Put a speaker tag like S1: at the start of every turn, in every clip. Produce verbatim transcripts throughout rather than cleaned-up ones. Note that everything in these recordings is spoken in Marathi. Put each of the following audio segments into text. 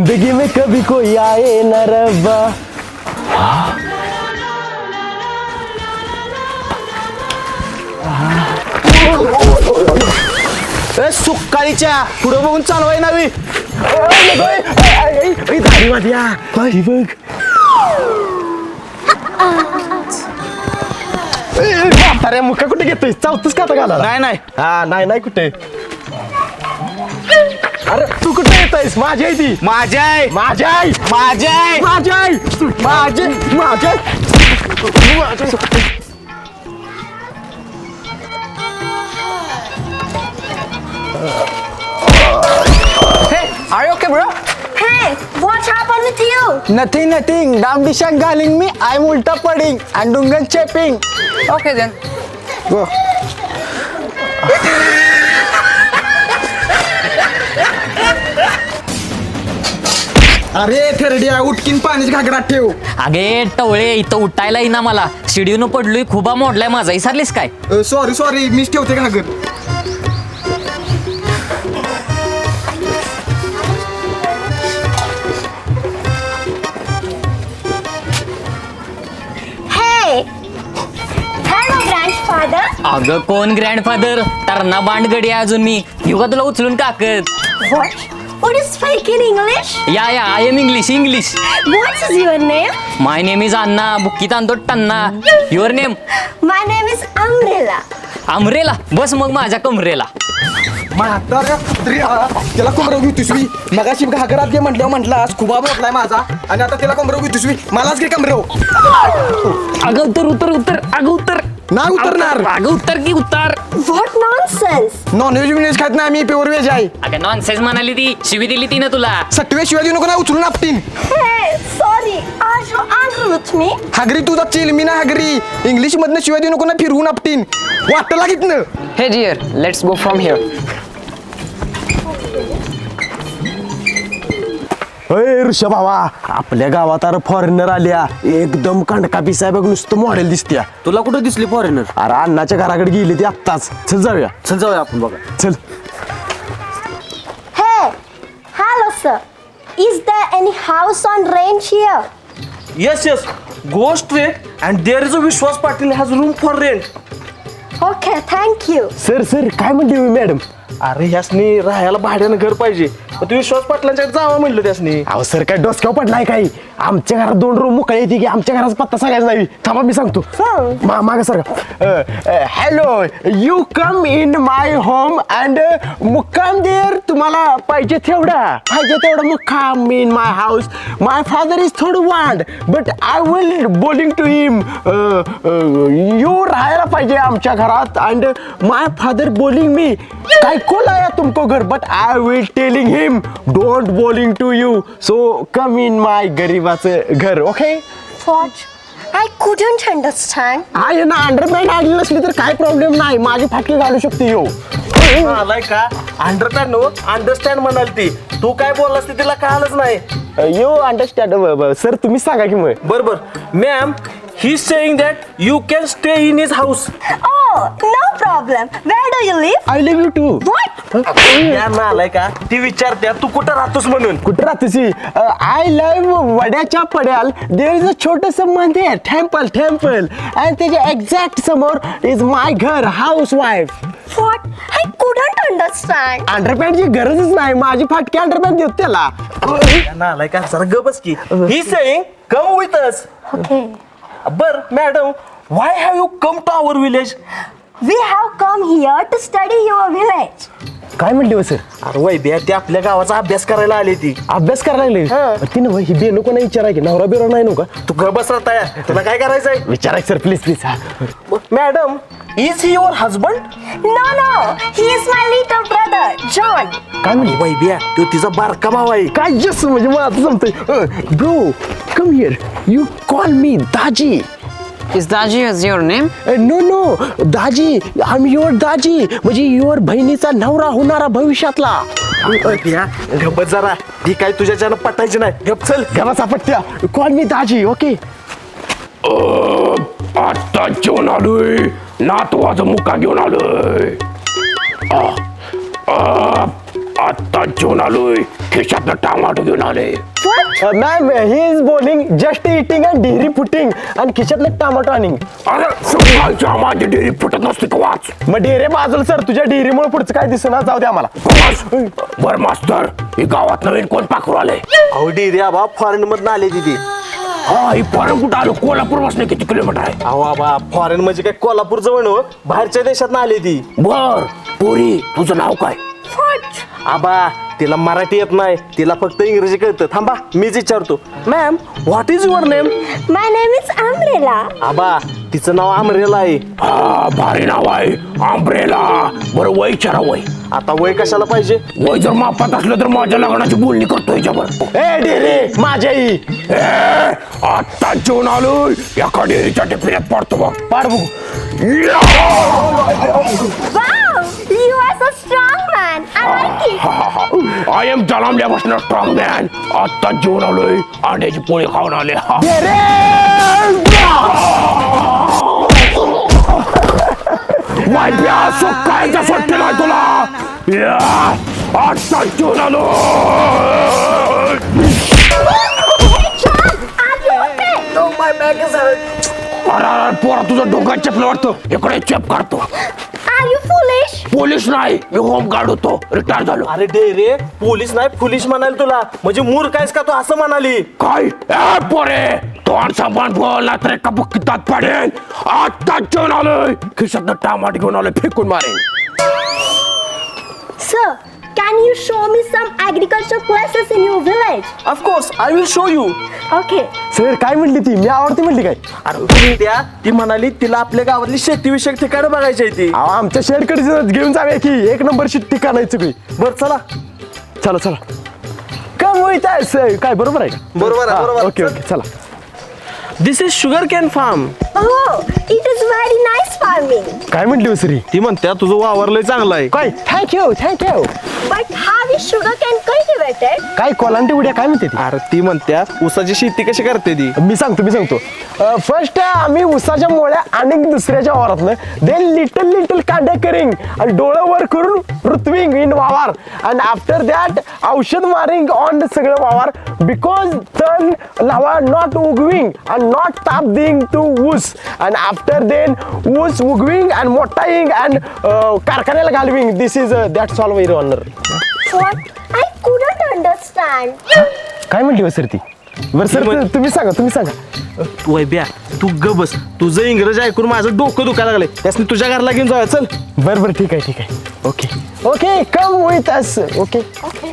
S1: जिंदगी में कभी कोई आए न रब्बा.
S2: सुकाळीच्या पुढं बघून चालवाय नावी.
S1: दाढी माझी बघ. अरे मुका कुठे घेतोय चावतोस का आता घाला.
S2: नाही नाही
S1: हा नाही नाही कुठे. अरे तू कुठे येतोयस. माझी आहे ती.
S2: माझ्या आहे
S1: माझी आई
S2: माझ्या आहे
S1: माझी आई माझी माझी
S2: Are you okay, bro?
S3: Hey, what happened with you?
S2: Nothing, nothing. Dam Dishang calling me. I'm ulta pudding and Dungan chapping.
S3: Okay then.
S2: Go. अरे थेरड्या उठकीन पाण्याची घागरात ठेव.
S4: अगे टवळे इथं उठायला येईना मला. शिडीवनं पडलोय खुबा मोडलाय माझा. विसरलीस काय.
S2: सॉरी सॉरी मीच ठेवते घागर.
S3: Hey, hello grandfather.
S4: अगं कोण ग्रँडफादर. तरणा बांडगडी आहे अजून मी. युगा तुला उचलून काकत.
S3: What? What is fake in English?
S4: या या I am English English.
S3: What is your name?
S4: My name is अण्णा. बुक्कीत आणतो टन्ना. Your name.
S3: My name is Umbrella.
S4: Umbrella. बस मग माझ्या कमरेला.
S2: म्हाताऱ्या कुत्र्या, त्याला कोंबडं घेतोस मी. मगाशी घागरात घे म्हटल्यावर म्हटलास खुबा मोठलाय माझा आणि आता त्याला कोंबडं घेतोस मी. मलाच घे कोंबडं.
S4: अगं उत्तर उत्तर उत्तर. अगं उत्तर.
S2: नाही उतरणार.
S4: अगं उत्तर की उत्तर.
S3: What nonsense?
S2: नॉनव्हेज बिनव्हेज खात नाही मी प्युअर व्हेज आहे.
S4: अगं नॉनसेन्स म्हणाली ती. शिवी दिली ती ना तुला.
S2: सटवे शिवाय देऊ नको ना उचलून आपटीन.
S3: Hey, sorry. Are you angry with me?
S2: हागरी तुझा चिल मी ना हागरी. इंग्लिश मधनं शिवाय देऊ नको ना फिरवून आपटीन. वाटतं लागितनं.
S5: Hey dear, let's go from here.
S1: अरे ऋषा भावा आपल्या गावात अरे फॉरेनर आल्या. एकदम कंडका पिसाय बघ नुसतं मॉडेल दिसत्या.
S5: तुला कुठं दिसली फॉरेनर?
S1: अरे अण्णाच्या घराकडे गेली ती आत्ताच. चल जाऊया.
S5: चल जाऊया आपण बघा.
S1: चल.
S3: Hey, hello sir. Is there any house on rent here?
S6: Yes, yes. Go straight and there is a Vishwas Patil has room for rent.
S3: Okay, thank you.
S1: Sir sir काय म्हणते हो मॅडम.
S6: अरे ह्यासनी राहायला भाड्यानं घर पाहिजे. मग तू विश्वास पाटलांच्याकडे जावं म्हणलं त्यासनी.
S1: अहो सर काय डोसक्यावर पडलाय काही. आमच्या घरात दोन रूम मुकळे येते की आमच्या घराचा पत्ता सांगायचा नाही. थांबा मी सांगतो. मा मागे sir hello you come in my home and मुक्काम देर. तुम्हाला पाहिजे तेवढा पाहिजे तेवढा मुक्काम in my house. My father is थोडं वांड बट आय विल बोलिंग टू हिम. यू राहायला पाहिजे आमच्या घरात अँड माय फादर बोलिंग मी काय कोण आया तुमको घर but I will telling him don't बोलिंग to you. So come in my गरीबाचं घर. Okay.
S3: What? I couldn't understand.
S1: आहे ना अंडरपॅन्ट आली नसली तर काय प्रॉब्लेम नाही. माझी फाटकी घालू शकते यो.
S6: आलाय का अंडरस्टँड नो अंडरस्टँड म्हणाल ती. तू काय बोललास ते तिला कळालंच नाही.
S1: यो अंडरस्टँड सर तुम्हीच सांगा की मग.
S6: बर बर ma'am he saying that you can stay in his house.
S3: Oh, no problem. Where do you live?
S1: I live you too.
S3: What?
S6: Ma'am आलाय का ती विचारते तू कुठं राहतोस म्हणून.
S1: कुठं राहतेसी. आय लव्ह वड्याच्या पड्याल देर इज अ छोटस मंदिर टेम्पल टेम्पल अँड त्याच्या एक्झॅक्ट समोर इज माय घर house wife.
S3: What? I couldn't understand.
S1: अंडरपॅन्टची गरजच नाही. माझी फाटकी अंडरपॅन्ट देत त्याला.
S6: आलाय का जरा ग बस की. He saying come with us.
S3: Okay.
S6: बर madam why have you come to our village.
S3: We have come here to study your village.
S1: काय म्हणली हो सर.
S6: अरे वय बिया ती आपल्या गावाचा अभ्यास करायला आली ती.
S1: अभ्यास करायला
S6: हा.
S1: लागले. ती ना ही बेनो कोणा विचाराय की नवरा बिरा नाही नका.
S6: तू ग बस राहता यार तुला काय करायचंय.
S1: विचाराय sir please please.
S6: Madam is he your husband.
S3: No, no. He is my little brother, John.
S1: काय म्हणली.
S6: वय बिया तो तिचा बारका भाव आहे.
S1: काय जस म्हणजे मला आता जमतंय. Bro come here you call me Daji.
S5: Is Daji is your name?
S1: No no Daji I am your Daji म्हणजे युअर बहिणीचा नवरा होणारा भविष्यातला.
S6: बिया गप्प जरा ती काय तुझ्याच्यानं पटायची नाही. गप चल.
S1: घरा सापट्या कॉल मी दाजी. ओके. आता जेवण आलोय नातवाचा मुका घेऊन आलोय. आता जेवण आलोय खिशातनं टमाटो घेऊन आले
S3: What?
S1: मॅम ही इज बोलिंग just eating and dairy footing आणि खिशातलं टमाटो आणिंग अरे सकाळच्या माझी डेअरी फुटत नसते का वाच मग डेअरी बाजूला सर तुझ्या डेअरीमुळे पुढचं काय दिसणार जाऊ दे आम्हाला बर मास्तर ही गावात नवीन कोण पाखरू आलंय
S6: अहो डेरी आबा फॉरेन मधनं आले तिथे
S1: हा ही फॉरेन कुठं आलो कोल्हापूर पासून किती किलोमीटर आहे
S6: अहो आबा फॉरेन म्हणजे काय कोल्हापूर जवळ हो बाहेरच्या देशात आली ती
S1: बर पोरी तुझं नाव काय
S6: आबा तिला मराठी येत नाही तिला फक्त इंग्रजी कळतं थांबा मीच विचारतो ma'am what is your name
S3: My name is Umbrella.
S6: आबा तिचं नाव अमरेला आहे
S1: हा भारी नाव आहे आंब्रेला बरं वय विचारा वय
S6: आता वय कशाला पाहिजे
S1: वय जर मापात असलं तर माझ्या लग्नाची बोलणी करतो याच्यावर ए डेरे माझ्या आई ए आता जेवण आलोय एका डेअरीच्या टिफिन्यात पडतो बघ पाड बघू
S3: Wow, you are so strong, man. I like it.
S1: I am जलामल्यापासून स्ट्रॉंग मॅन आता जेवण आलोय अंड्याची पोळी खाऊन आले माहिती सुकायचा सुट्टीला तुला या, आता जेवण आलो अरे पोरा तुझं डोक्यात चपलं वाटतं इकडे चेप काढतो
S3: Are you foolish?
S1: पोलीस नाही मी होमगार्ड होतो रिटायर झालो
S6: अरे डेरे पोलीस नाही पोलीस म्हणाल तुला म्हणजे मूर्ख आहेस का तू असं म्हणाली
S1: काय ए पोरे तोंड सांभाळून बोल ना तर एका बुक्कीतात पडेल आता जेवण आलोय खिशातनं टमाट घेऊन आलोय फेकून मारेन
S3: Sir, can you show me some agricultural places in your village?
S6: Of course I will show you
S3: Okay.
S1: Sir काय म्हणली ती मी आवडती म्हणली काय
S6: अरे तुम्ही त्या ती म्हणाली तिला आपल्या गावातली शेतीविषयक ठिकाणं बघायची आहे ती
S1: अहो, आमच्या शेडकडे घेऊन जाऊया की एक नंबरची ठिकाण आहे सगळी
S6: बर चला
S1: चला चला कम होईत आहे काय बरोबर आहे का
S6: बरोबर आहे, बरोबर.
S1: ओके ओके चला
S6: this is sugar cane farm
S3: Oh, it is very nice farming.
S1: काय म्हणली सरी
S6: ती म्हणत्या तुझं वावर लय चांगलं आहे
S1: काय thank you thank you
S3: But how is sugarcane cultivated?
S1: काय कोलांटी उड्या काय म्हणते ती
S6: अरे ती म्हणत्या ऊसाची शेती कशी करते ती
S1: मी सांगतो मी सांगतो फर्स्ट आम्ही उसाच्या मोळ्या आणि दुसऱ्याच्या वावरातनं देन लिटल लिटल कांडे करिंग आणि डोळं वर करून ऋत्विंग इन वावर अँड आफ्टर दॅट औषध मारिंग ऑन सगळं वावर बिकॉज तन लावा नॉट उगविंग अँड नॉट ताप दिंग टू ऊस अँड आफ्टर देन ऊस उगविंग अँड मोठाईंग अँड कारखान्याला घालविंग this is that solve very honour
S3: What? I couldn't understand.
S1: काय म्हणली सर ती बरं सर तुम्ही सांगा तुम्ही सांगा
S6: वैब्या तू ग बस तुझं इंग्रजी ऐकून माझं डोकं दुखायला लागले त्यासनी तुझ्या घरला घेऊन जाऊया चल
S1: बरं बरं ठीक आहे ठीक आहे okay okay come with us okay
S3: Okay.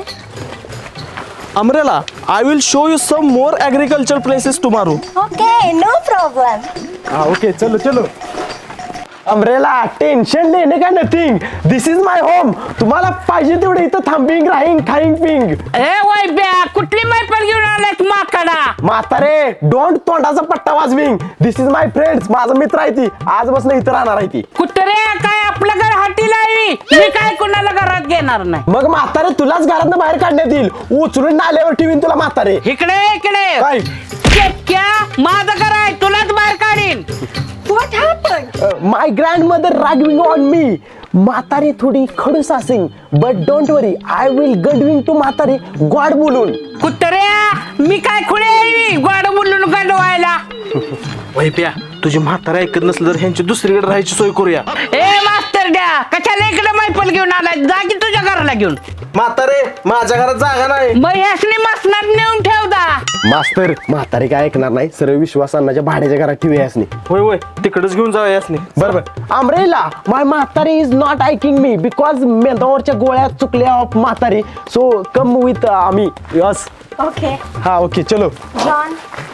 S6: अमरेला I will show you some more agriculture places tomorrow
S3: Okay, no problem.
S1: हा ओके चलो चलो अमरेला टेन्शन लेणे का nothing this is my home तुम्हाला पाहिजे तेवढे इथं थांबिंग राहींग खाईंग पिंग
S4: ए वय ब्या कुठली मैफल घेऊन आलाय माकडा
S1: म्हातारे डोंट तोंडाचा पट्टा वाजविंग दिस इज माय फ्रेंड्स माझा मित्र आहे ती आजपासून इथं राहणार आहे ती
S4: कुत्रे काय आपलं घर हाटी लावी मी काय कुणाला घरात घेणार नाही
S1: मग म्हातारे तुलाच घरातनं बाहेर काढण्यात येईल उचलून नाल्यावर ठेवीन तुला म्हातारे
S4: इकडे इकडे
S1: काय
S4: क्या माझं घर आहे तुलाच बाहेर काढीन
S3: What happened?
S1: My grandmother रागविंग ऑन मी म्हातारी थोडी खडूस असेल but don't worry I will गडविंग टू म्हातारी गॉड बोलून
S4: कुत्र्या मी काय खुळे गोड बोलून गडवायला
S6: वैप्या तुझी म्हातारा ऐकत नसलं तर ह्यांची दुसरीकडे राहायची सोय करूया
S4: ए मास्तर द्या कशाला इकडे मैफल घेऊन आलाय जा की तुझ्या घराला घेऊन
S6: म्हातारे माझ्या घरात जागा नाही
S4: मग ह्यासनी मसनात नेऊन ठेवदा
S1: मास्तर म्हातारी काय ऐकणार नाही सर्व विश्वास अन्नाच्या भाड्याच्या घरात ठेवूया यासनी
S6: होय होय तिकडेच घेऊन जाऊया यासनी
S1: बरोबर अमरेला माय म्हातारी इज नॉट ऐकिंग मी बिकॉज मेंदावरच्या गोळ्या चुकल्या ऑफ म्हातारी सो कम विथ आम्ही यस
S3: Okay.
S1: हा ओके चलो
S3: John.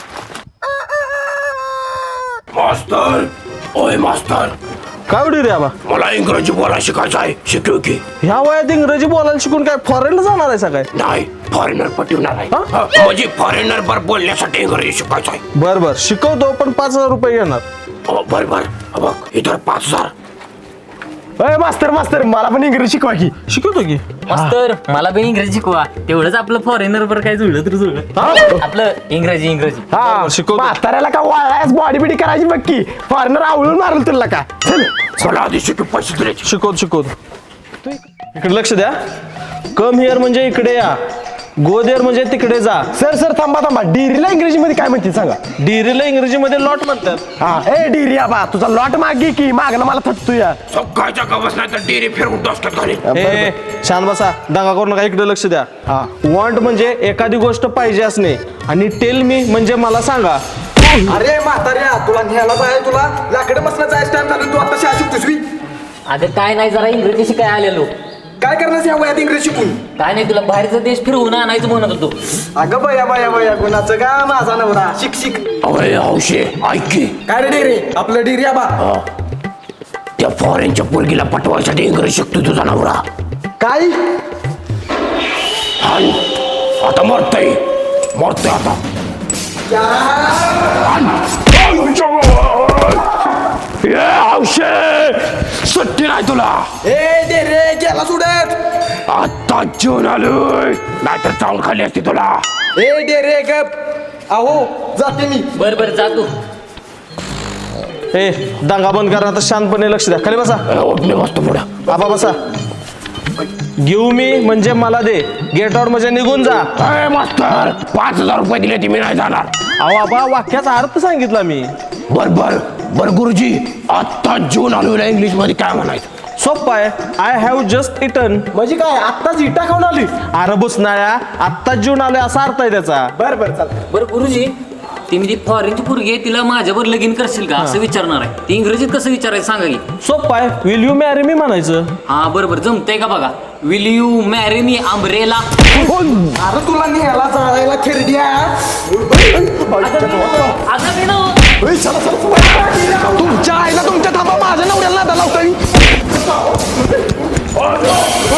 S1: मास्तर ओय मास्तर
S6: काय उडी रे आबा
S1: मला इंग्रजी बोलायला शिकायचं आहे शिकव की
S6: ह्या वयात इंग्रजी बोलायला शिकून काय फॉरेनला जाणार आहे सगळे
S1: नाही फॉरेनर पटवणार आहे
S6: हा?
S1: हा, म्हणजे फॉरेनर बर बोलण्यासाठी इंग्रजी शिकायचं आहे
S6: बर बर शिकवतो पण पाच हजार रुपये घेणार
S1: अहो, बर बर हा बघ इतर पाच हजार अय मास्तर मास्तर मला पण इंग्रजी शिकवा की
S6: शिकवतो की
S4: मास्तर मला पण इंग्रजी शिकवा तेवढंच आपलं फॉरेनर वर काय जुळलं तर जुळलं आपलं इंग्रजी इंग्रजी
S1: हा
S6: शिकवतो.
S1: म्हाताऱ्याला का वाळायस बॉडी बिडी करायची बघ की फॉरेनर आवळून मारल तुला का चल चला आधी शिकू पैसे दिले
S6: शिकवतो शिकवतो इकडे लक्ष द्या कम हिअर म्हणजे इकडे या, गो देअर म्हणजे तिकडे जा.
S1: सर सर थांबा थांबा डिरीला इंग्रजीमध्ये काय म्हणते सांगा.
S6: डिरीला इंग्रजीमध्ये लॉट म्हणतात.
S1: हा ए डिरी आबा तुझा लॉट मागे की मागणं मला थटतो या.
S7: सकाळच्या गवस नाही तर डेरी फिरवून असतात खाली.
S6: ए शांत बसा, दंगा करू नका, इकडे लक्ष द्या.
S1: हा.
S6: वॉन्ट म्हणजे एखादी गोष्ट पाहिजे असणे आणि टेल मी म्हणजे मला सांगा.
S2: अरे म्हाताऱ्या तुला न्यायला जाय, तुला लाकडं मसला जायचं टाइम झालं, तू आता शाळा शिकतोस मी.
S4: अगं काय नाही, जरा इंग्रजी शिकाय आलेलो.
S2: काय करणार या वयात इंग्रजी शिकून?
S4: काय नाही, तुला बाहेरचा देश फिरवून आणायचं म्हणत होतो.
S2: अगं बया बया बया कोणाचं का माझा नवरा शिक शिक.
S7: अरे हौशे ऐक की,
S2: काय रे डेरे आपलं डेरी आबा.
S7: त्या फॉरेनच्या पोरगीला पटवायसाठी इंग्रजी शिकतो तुझा नवरा.
S2: काय
S7: हान, आता मरतय मरतय आता. हान. ए हौशे सुट्टी नाही तुला.
S2: ए डेरे गेला सुडत.
S7: आता जेवण आलोय, नाहीतर चावून खाली असते तुला.
S2: ए डेरे गप अहो जाते मी.
S4: बर बर जा तू.
S6: ए दंगा बंद करा, आता शांतपणे लक्ष द्या. खाली बसा.
S7: ए, उठ मी बसतो पुढं.
S6: आबा बसा. गिव मी म्हणजे मला दे, गेट आउट म्हणजे निघून जा.
S7: ए मास्तर, पाच हजार रुपये दिले ती मी नाही जाणार.
S6: अहो आबा वाक्याचा अर्थ सांगितला मी.
S7: बर बर बर गुरुजी, आता जेवण आलोय इंग्लिश मध्ये काय म्हणायचं?
S6: सोप्पा आहे. I have just eaten.
S2: म्हणजे काय आत्ताच इटा खाऊन आली?
S6: अरे बुसनाळ्या, आत्ताच जेवण आलोय असा अर्थ आहे त्याचा.
S2: बर बर चाल.
S4: बरं गुरुजी, ती मी ती फॉरेनची पोरगी आहे, तिला माझ्यावर लगीन करशील का असं विचारणार आहे. ती इंग्रजीत कसं विचारायचं सांगा की.
S6: सोप्पा आहे. विल यू मॅरी मी म्हणायचं.
S4: हा बरोबर जमतंय का बघा. Will you marry me umbrella.
S2: अरे तुला न्यायला जायला खेरड्या.
S4: अगं मी ना
S1: तुमच्या आईला तुमच्या थांबा माझ्या नवऱ्याला नादा लावता.